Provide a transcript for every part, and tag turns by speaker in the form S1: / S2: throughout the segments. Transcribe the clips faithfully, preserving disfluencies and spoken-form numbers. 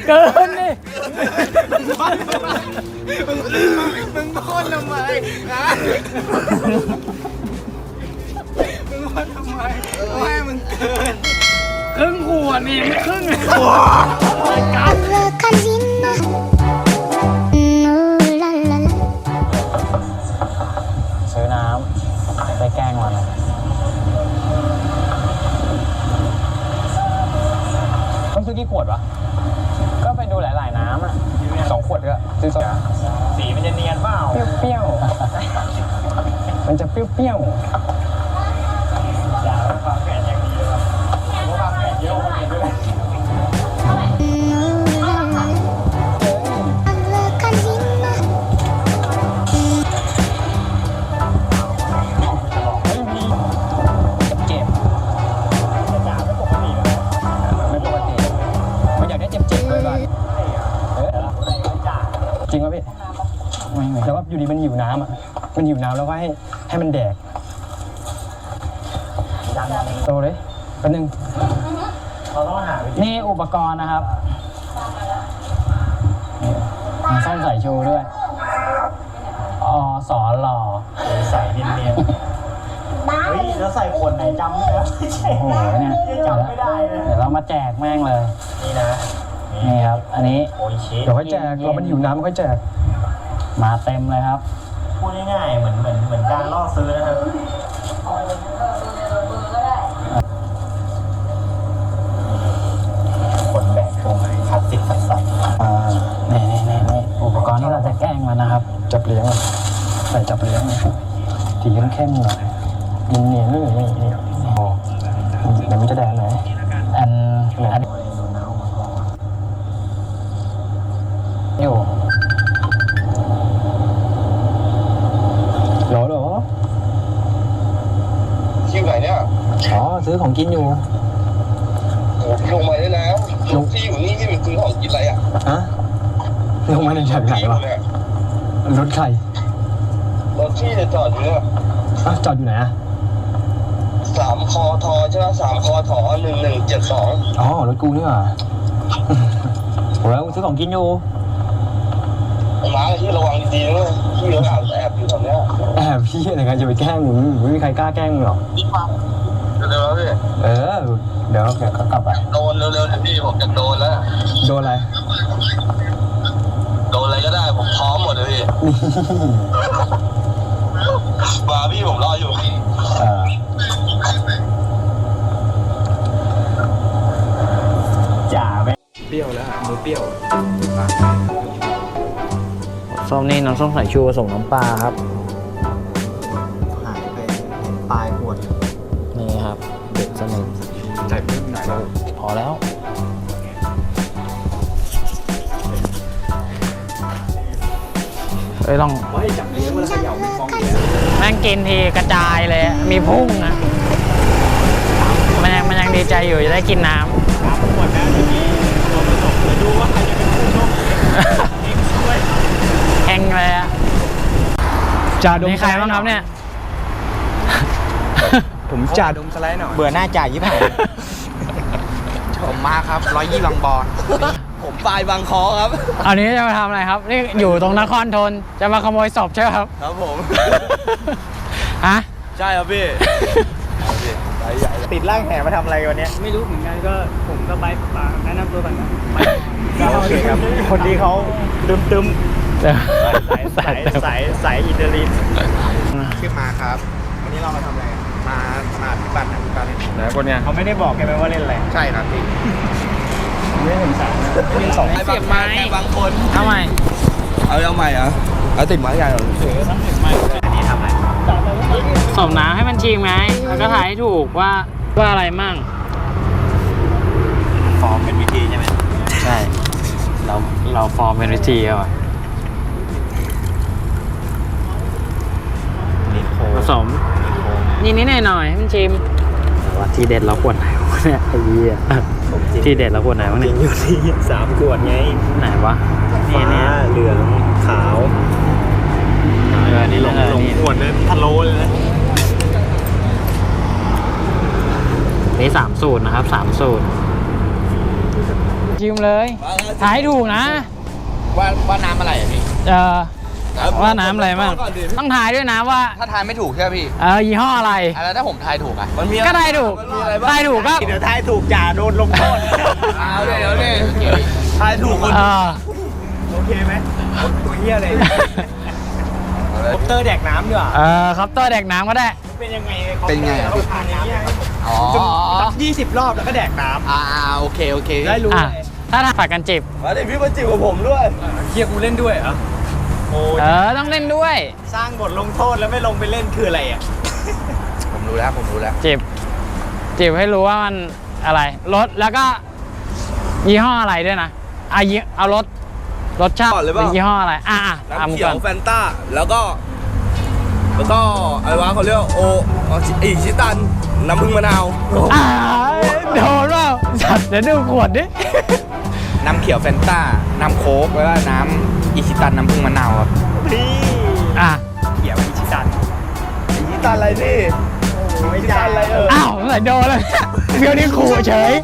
S1: เกินนี่
S2: มึงโค่นทำไมนะมึงโค่นทำไมไม่มึงเกิน
S1: ครึ่งขวดนี่ไม่ครึ่งเลยซื้อน้ำไปแกล้งมันต้องซื้อกี่ขวดวะก็ไปดูหลายๆน้ำอ่ะสองขวดก็ซื้อสองสีมันจะเนียนเปล่าเปรี้ยวๆมันจะเปรี้ยวๆอย่าฟังแผนอย่างนี้เลยครับเพราะฟังแผนเยอะมันด้วยจริงป่ะพี่ไม่ไม่แล้วว่าอยู่ดีมันหิวน้ำอ่ะมันหิวน้ำแล้วก็ให้ให้มันแดกโตเลยแป๊บนึงนี่อุปกรณ์นะครับมีซ่อมใส่ชูด้วยอสอหล่อใส่เนียนๆเฮ้ยแล้วใส่ขวดไหนจำไม่ได้โอ้โหเนี่ยจำไม่ได้เลยเดี๋ยวเรามาแจกแม่งเลยนี่นะนี่ครับอันนี้เดี๋ยวค่อยแจกเรามันหิวน้ำค่อยแจกมาเต็มเลยครับพูดง่ายๆเหมือนเหมือนเหมือนการล่อซื้อนะครับคนแบกตรงคลาสสิกสัสๆอ่านี่นี่นี่นี่อุปกรณ์ที่เราจะแกล้งมันนะครับจับเลี้ยงใส่จับเลี้ยงสีเข้มๆหน่อยยินเนียนนี่นี่นี่โอ้โหเดี๋ยวมันจะแดงไหนอันอันอยู่หรอหรอ
S3: ที่ไหนเนี่ย
S1: อ๋อซื้อของกินอยู่
S3: โอ้ลงมาได้แล้วลงที่อยู่นี่ที่เป็นซื้อของกินอะไรอ่ะ
S1: ฮะลงมาในจากไหนวะรถใคร
S3: รถที่จะจอดอยู่เนี่ย
S1: อ่ะจอดอยู่ไหนอ่ะ
S3: สามคอทอใช่ไหมสามคอทอหนึ่งหนึ่งเจ็ดสอง
S1: อ๋อรถกูนี่หว่าโอ้แล้วซื้อของกินอยู่
S3: ม้าที่ระวังดีๆด้วยที่เขาแอบแอบอยู่ตรงเนี้ย
S1: แอบพี่อะไรกันจะไปแกล้งมึงไม่มีใครกล้าแกล้งมึงหรอก
S3: เร็วๆพี่
S1: เออเดี๋ยวเดี๋ยวเขากลับไป
S3: โดนเร็วๆพี่ผมจะโดนแล้ว
S1: โดนอะไร
S3: โดนอะไรก็ได้ผมพร้อมหมดเลยพี่มาพี่ผมรออยู่
S1: เออจ่าไหม
S2: เปรี้ยวแล้วมือเปรี้ยว
S1: ส้มนี่น้ำส้มสายชูผสมน้ำปลาครับ
S2: หายไปปลายขวด
S1: นี่ครับเด็ดสนิท
S2: ใส่เพิ่มหน่อยแล้ว
S1: พอแล้วเอ้ยลอง
S2: ว่าให้จับเลี้ยงมันขย่าเป็นฟองเลี้ยง
S1: แม่งกินทีกระจายเลยมีพุ่งนะมันยังมันยังดีใจอยู่จะได้กินน้ำ
S2: น้ำขวดนะทีนี้ตัวผสมจะดูว่าใครจะเป็นผู้โชคดีช่วย
S1: แข่งเลยอะจ่าดมใครบ้างครับเนี่ย
S2: ผมจ่าดมสไลด์หน่อยเบื่อหน้าจ่ายี่ห้อผมมาครับร้อยยี่บางบอนผมปลายบางคอครับ
S1: อันนี้จะมาทำอะไรครับนี่อยู่ตรงนครธนจะมาขโมยศพใช่ไหมครับ
S2: ครับผม
S1: ฮะ
S2: ใช่ครับพี่ติดร่างแห่มาทำอะไรวันนี้ไม่รู้เหมือนกันก็ผมก็ไปปาแนะนำตัวก่อนนะโอเคครับคนที่เขาตึมตึมสายสายสายสายอินเตอร์ลินชื่อมาครับวันนี้เรามาทำอะไรมามาพิบัตินะพิบัติไหนคนเนี้ยเขาไม่ได้บอกแกไหมว่าเล่นอะไรใช่ครับพี่ไม่เห็นสายนะไม่เห็นสองเสียบไม้บางคน
S1: ทำไม
S2: เอาเอาใหม่อ่ะเอาติดไม้ใหญ่หรอเสือต้องติดไม้อันนี้ทำอะไร
S1: สอบน้ำให้มันชิมไงแล้วก็ถ่ายให้ถูกว่าว่าอะไรมั่ง
S2: ฟอร์มเป็นวิธีใช่ไหม
S1: ใช่เราเราฟอร์มเป็นวิธีอะว่ะผสมนิดนิดหน่อยหน่อยให้มันชิมว่าที่เด็ดเราขวดไหนวะเนี่ยไอ้เหี้ยที่เด็ดเราขวดไหนวะเนี่ย
S2: อยู่ที่สามขวดไง
S1: ไหนวะ
S2: นี่เนี่ยเหลืองขาว
S1: เออนี่ลง
S2: ลงขวดเลยทะโลเลยนะ
S1: นี่สามสูตรนะครับสามสูตร
S4: ชิมเลยถ่ายให้ถูกนะ
S5: ว่าว่าน้ำอะไรอ่ะพี่
S4: เออว่าน้ำอะไรบ้างต้องทายด้วยนะว่า
S5: ถ้าทายไม่ถูกใช่ไหมพี่
S4: เออยี่ห้ออะไร
S5: อ่ะแล้วถ้าผมทายถูกอ่ะมันมี
S4: ก็ทายถูกทายถูกก็
S2: เดี๋ยวทายถูกจ่าโดนลงโทษ
S5: เอาเดี๋ยวเดี๋ยวโอเค
S2: ทายถูกคน
S4: เออ
S2: โอเคไหมตัวเฮียเลยคอปเตอร์แดกน้ำดีกว่า
S4: เออครับตัวแดกน้ำก็ได้
S2: เป็นยังไง
S5: เป็นไง
S2: เราผ่านน้ำ
S5: อ๋อ
S2: ยี่สิบรอบแล้วก็แดกน้
S5: อ่าโอเคโอเค
S2: ำได้รู้
S4: อ่ะ
S2: เลย
S4: ถ้าถ้าผัดกันจิบ
S3: มาดิพี่มาจิบกับผมด้วย
S2: เฮียกูเล่นด้วยเหรอโอ้
S4: เออต้องเล่นด้วย
S2: สร้างบทลงโทษแล้วไม่ลงไปเล่นคืออะไรอ่ะ
S5: ผมรู้แล้วผมรู้แล้ว
S4: จิบจิบให้รู้ว่ามันอะไรรสแล้วก็ยี่ห้ออะไรด้วยนะอ่ะยี่เอารสรสชาติ
S3: ก่อนเลยเป
S4: เป็
S3: ล่า
S4: นยี่ห้ออะไรอ่ะอ่ะอ่ะ
S3: น้ำ
S4: มึง
S3: เขีย
S4: ก่
S3: ว
S4: อน
S3: แฟนต้าแล้วก็แล้วก็อะไรวะเขาเรียกว่าโออีชิตันน้ำผึ้งมะนาว
S4: อ่าโดนเปล่าจัดเดี๋ยวดูขวดดิ
S5: น้ำเขียวแฟนต้าน้ำโค้กแล้วก็น้ำอิชิตันน้ำผึ้งมะนาวครับ
S2: พี่
S4: อ่ะ
S2: เขียวอิชิตัน
S3: อีชิตันอะไรนี่
S2: ไม่ใช่อะไรเออ
S4: อ้าวใส่โดนเลยเดี๋ยวนี้ขู่เฉย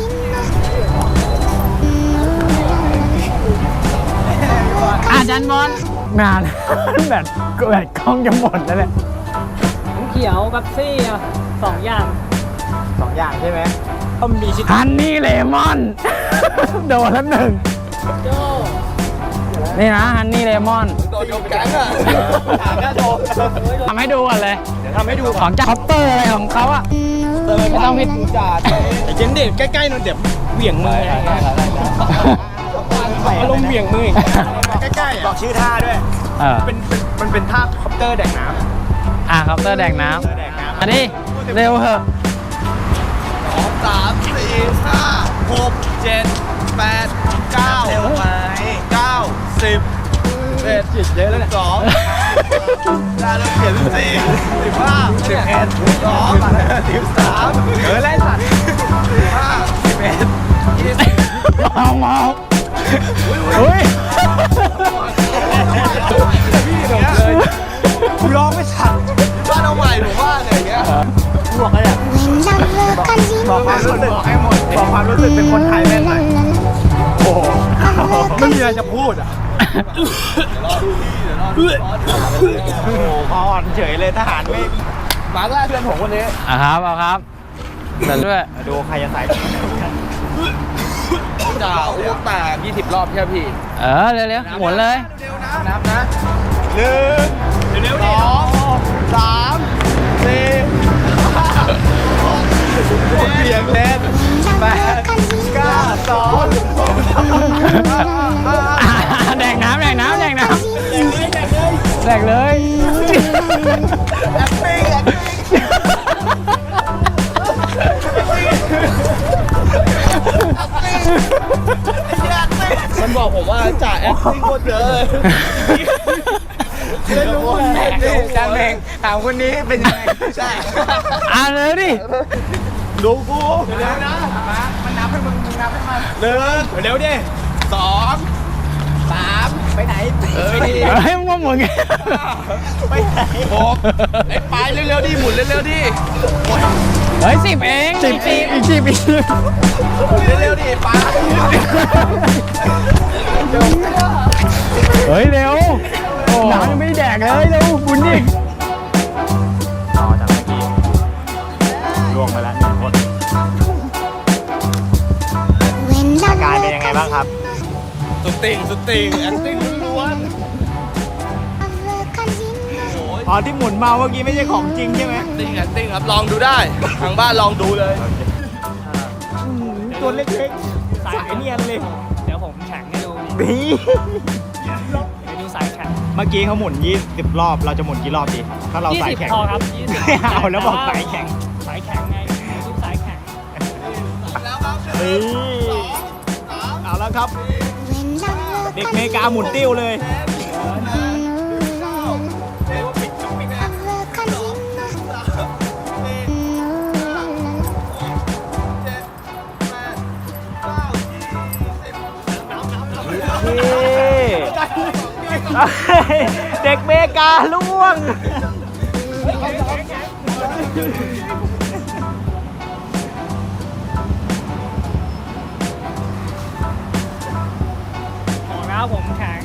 S4: อาจารย์บอลงาน แบบแบบกล้องจะหมดแล้วเนี่ย
S6: เขียวกับซี่อ่ะสองอย่าง
S2: สองอย่างใช่ไหมก็มีชิตัน
S4: ฮันนี่เลมอน โดนแล้วหนึ่ง
S6: โจ
S4: นี่นะฮันนี่เลมอน
S3: โดนยกแก๊งอ่ะ
S2: ถามก็โดน
S4: ทำให้ดูก่อนเลย
S2: เดี๋ยวทำให้ดู
S4: ของจากคอปเตอร์อะไรของเขาอะไม่ต้องพิด
S3: จ่า
S2: ไอ้เจนเด็ใกล้ๆนู่นเดี๋ยวเหวี่ยงมืออารมณ์เหวี่ยงมือใกล้ๆบอกชื่อท่าด้วย
S4: เออ
S2: เป็นเป็นมันเป็นท่าคอปเตอร์แดกน้ำ
S4: อ่ะคอปเตอร์แดกน้
S2: คอปเตอร์แดกน้ำ
S4: ำอันนี้เร็วเหอะ
S3: สองสามสี่ห้าหกเจ็ดแปดเก้า
S2: เร็วไหม
S3: เก้าสิบเอ็ด
S2: จิตเยอะแล้วเนี่ย
S3: สองได้แล้วเขียนสิบสี่สิบห้าสิบเอ็ดสิบสองสิบสาม
S2: เออไล่สัตว์
S3: สิบห้าสิบเอ็ดยี่สิบ
S4: เมาเมาเฮ้ย
S2: กูร้องไม่ทัน
S3: บ้านเอาใหม่ผมว่าเนี่ยอย่างเงี้ย
S2: บอกอะไรอ่ะบอกความรู้สึกให้หมดบอกความรู้สึกเป็นคนไทยแม่งหน่อยโอ้โหไม่มีอะไรจะพูดอ่ะโอ้โหพออ่อนเฉยเลยทหารไม่
S3: มาแรกเพื่อนผมคนนี้
S4: อ่ะครับเอาครับเดินด้วย
S2: ดูใครจะใส่
S3: จ่าอ้วกแตก
S5: ยี่สิบรอบใช่ไหมพี่
S4: เออเร็วๆหมุนเลย
S3: นับนะ
S2: หนึ่งเร็วๆ
S3: ส
S2: ดิ
S3: องสามสี่ห้าหกเบียงเล่นแปดเก้าสอง
S4: แดกน้ำแดกน้ำแดกน้ำแดกเลย
S3: แอปปิ้งแอปปิ้ง มันบอกผมว่าจ่าแอคติ้งโคตรเยอะเลย
S2: ไม่รู้แม่จานเองถามคนนี้เป็นยังไงใช่
S4: อ่านเลยดิ
S3: ดูกู
S2: เร็วนะมันนับให้มึงมึงนับให้มันหนึ่งเร็วดิ
S3: สองสาม
S2: ไปไหน
S3: เออ
S4: เฮ้ยมึงว่ามึง
S2: ไปไหน
S3: หกไอ้ไปเร็วๆดิหมุนเร็วๆดิ
S4: เฮ้ยสิบเองสิบอีกอีกสิบอีก
S3: หมุนเร็วๆดิไป
S4: เฮ้ยเร็วน้ำยังไม่ได้แดกเลยเร็วบุญดิ
S2: ต่อจากเมื่อกี้ล่วงไปแล้วหนึ่งคนอาการเป็นยังไงบ้างครับ
S3: สุดติ่งสุดติ่งแอคติ้งล้วนโอ้ย
S2: อ๋อที่หมุนมาเมื่อกี้ไม่ใช่ของจริงใช่ไหม
S3: ติ่งแอคติ้งครับลองดูได้ทางบ้านลองดูเลย
S2: ตัวเล็กๆสายเนียนเลย
S6: เดี๋ยวผมแข่งให้ดู
S2: นี่
S6: ไปดูสายแข่ง
S2: เมื่อกี้เขาหมุนยี่สิบรอบเราจะหมุนกี่รอบดีถ้าเรา
S6: ยี่
S2: สาย
S6: สิบ
S2: แข่ง
S6: พอครับยี่สิบ
S2: ไม่เอาแล้วบอกสายแข่ง
S6: สายแข่งไงทุกสายแข่ง
S2: นี่เอาแล้วครับ เด็กเมกาหมุนติ้วเลย เด็กเมกาล่วง
S6: ผมแข็ง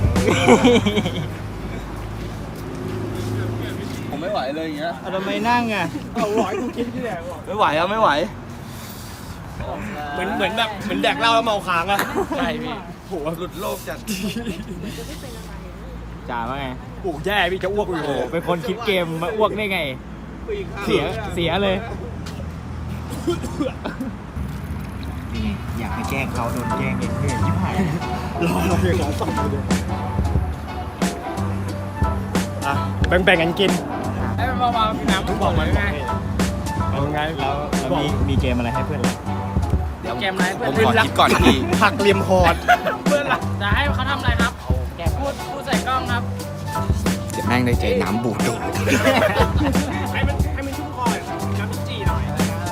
S3: ผมไม่ไหวเลยอย่างเงี้ย
S2: เอาทำไมนั่งอ่ะ
S6: เอาหลอยกูกินที่ไหนวะ
S3: ไม่ไหวอะไม่ไหว
S6: เหมือนเหมือนแบบเหมือนแดกเหล้าแล้วเมาค้างอะ
S4: ใช่พี่
S3: โหหลุดโลกจัด
S2: จ่าว่าไง
S6: โอ้แย่พี่จะอ้วกอยู่
S2: โอ้โหเป็นคนคิดเกมมาอ้วกได้ไง เสียเสียเลยนี่อยากไปแกล้งเขาโดนแกล้งเองเหนื่อยชิบหาย
S6: รอเราอย่างนั้นสองคนเดียวอ่ะแบ่งๆกันกิน
S4: ให้มันเบาๆพี่น้ำทุกบอกเลยไง
S6: เอาไง
S2: แล้วแล้วมีมีเกมอะไรให้เพื่อนเรา
S5: เดี๋ยว
S4: เกมอะไร
S5: ผ
S4: เพื่อน
S5: มขอคิดก่อนที
S6: หักเหลี่ยมคอร์ด
S4: เพื่อนรักจะให้เขาทำอะไรครับแกพูดพูดใส่กล้องครับ
S5: เดี๋ยวแม่งได้เจอน้ำบูดดูด
S6: ให้มันให้มันชุ่มคอหน่อยน้ำจีหน่อย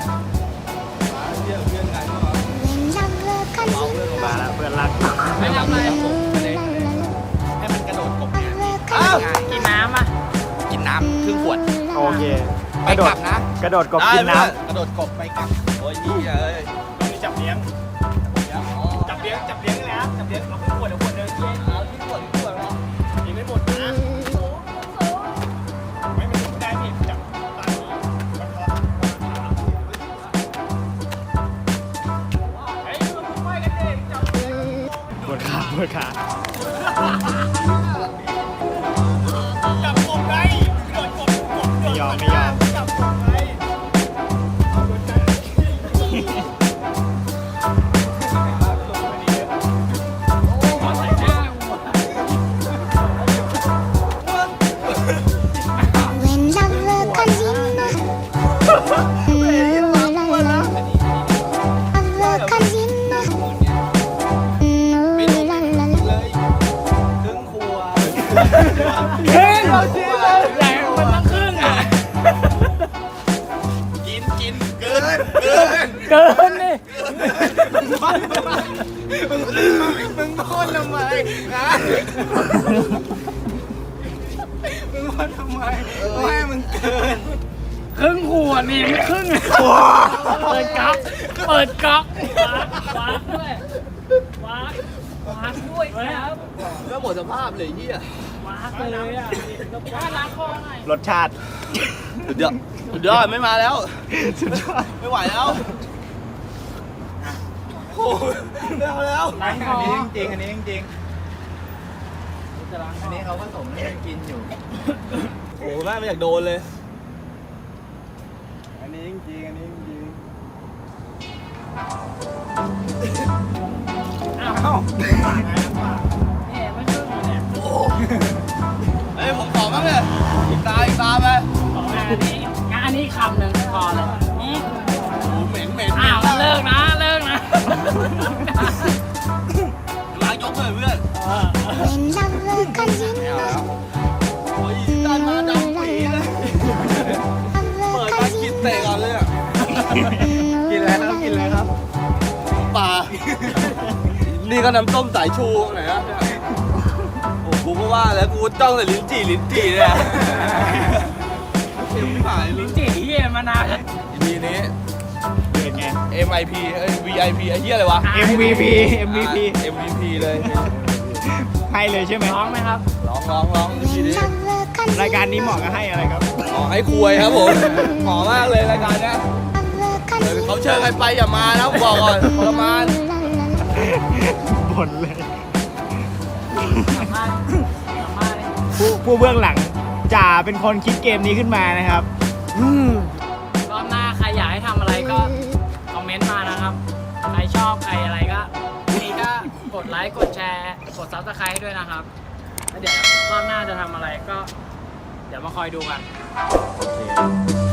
S2: มาแล้วเพื่อนรัก
S4: ไม่ทำอะไร
S5: ให้มันกระโดดกบเนี่ย
S4: กินน้ำอ่ะ
S5: กินน้ำครึ่งขวด
S2: โอเค
S5: ไปกลับนะ
S2: กระโดดกบกินน้
S3: กระโดดกบไปกลับ โอ้ยยี่เอ้ย
S6: ต้องมีจับเลี้ยง จับเลี้ยงจับเลี้ยงนี่แหละจับเลี้ยงเอาขึ้นขวดเดี๋ยวขวดเดินเย็นเอาขึ้นขวดขึ้นขวดแล้วกินไม่หมดนะไม่มันไม่ได้พี่จับตามนี้มันพอเฮ้ยมันไม่กันเองจับ
S2: ำปวดขาปวดขา
S6: จับกบไงเกิดกบกบเกิด
S2: ไม่ยอมไม่ยอม
S6: จับกบไงเอาหัวใจ
S4: เฮ้ยเราจริงเลยใหญ่มันต้องครึ่งอ่ะ
S3: กินกินเกินเกิน
S4: เกินนี่
S3: มึงโค่นทำไมนะมึงโค่นทำไมไม่มึงเกิน
S4: ครึ่งขวดนี่ไม่ครึ่งอ่ะเปิดก๊อกเปิดก๊อกวางด้วยวางวางด้วยครับ
S3: ก็หมดสภาพเลยเฮียว
S4: างเลยอ่ะว่าล้างคอหน่อย
S2: รสชาติ
S3: สุดยอดสุดยอดไม่มาแล้ว
S2: สุดยอด
S3: ไม่ไหวแล้วโอ้ยไม่เอาแล้ว
S4: ล้างคอ
S2: จริงอันนี้จริงอันนี้เขาผสมให้กินอยู่
S3: โอ้โหแม่ไม่อยากโดนเลย
S2: อันนี้จริงอันนี้จริง
S4: อ้าวเนี่ยไม่ครึ่งเนี่ย
S3: เฮ้ยผมขอบ้างเลยอีกตาอีกตาไป
S4: ของงานนี้งานนี้คำหนึ่งพอเลยนี่
S3: โอ้โหเหม็นเหม็น
S4: อ้าวเลิกนะเลิกนะ
S3: ล้างยกเลยเพื่อน
S4: เออ
S3: ไม่เอาแล้วโอ้ยด้านมาดำปีเลยเปิดมากินเตะก่อนเลยอ่ะ
S2: กินอะไรครับกินอะไรครับ
S3: ปลานี่ก็น้ำต้มสายชูไหนอ่ะโอ้กูก็ว่าแล้วกูจ้องแต่ลิ้นจี่ลิ้นจี่เนี่ยเข็มหายลิ้น
S4: จีเยี่ยมานานแล้ว
S3: ทีนี้
S2: เป็นไง
S3: เอ็ม ไอ พี เอ้ย วี ไอ พี ไอ้เหี้ยอะไรวะ
S2: เอ็ม วี พี เอ็ม วี พี
S3: เอ็ม วี พี เลย
S2: ให้เลยใช่ไหม
S4: ร้องไหมครับ
S3: ร้องร้องร้องทีนี้
S2: รายการนี้เหมาะกับให้อะไรครับ
S3: หมอให้ควยครับผมหมอมากเลยรายการเนี้ยเออเขาเชิญใครไปอย่ามานะผมบอกก่อนทรมาน
S2: บ่นเลย
S4: สัมภาษณ์สัมภาษณ์เลย
S2: ผู้ผู้เบื้องหลังจ่าเป็นคนคิดเกมนี้ขึ้นมานะครับ
S4: รอบหน้าใครอยากให้ทำอะไรก็คอมเมนต์มานะครับ ใครชอบใครอะไรก็นี่ก็กดไลค์กดแชร์กดซับสไครต์ด้วยนะครับแล้วเดี๋ยวรอบหน้าจะทำอะไรก็ เดี๋ยวมาคอยดูกัน
S2: โอเค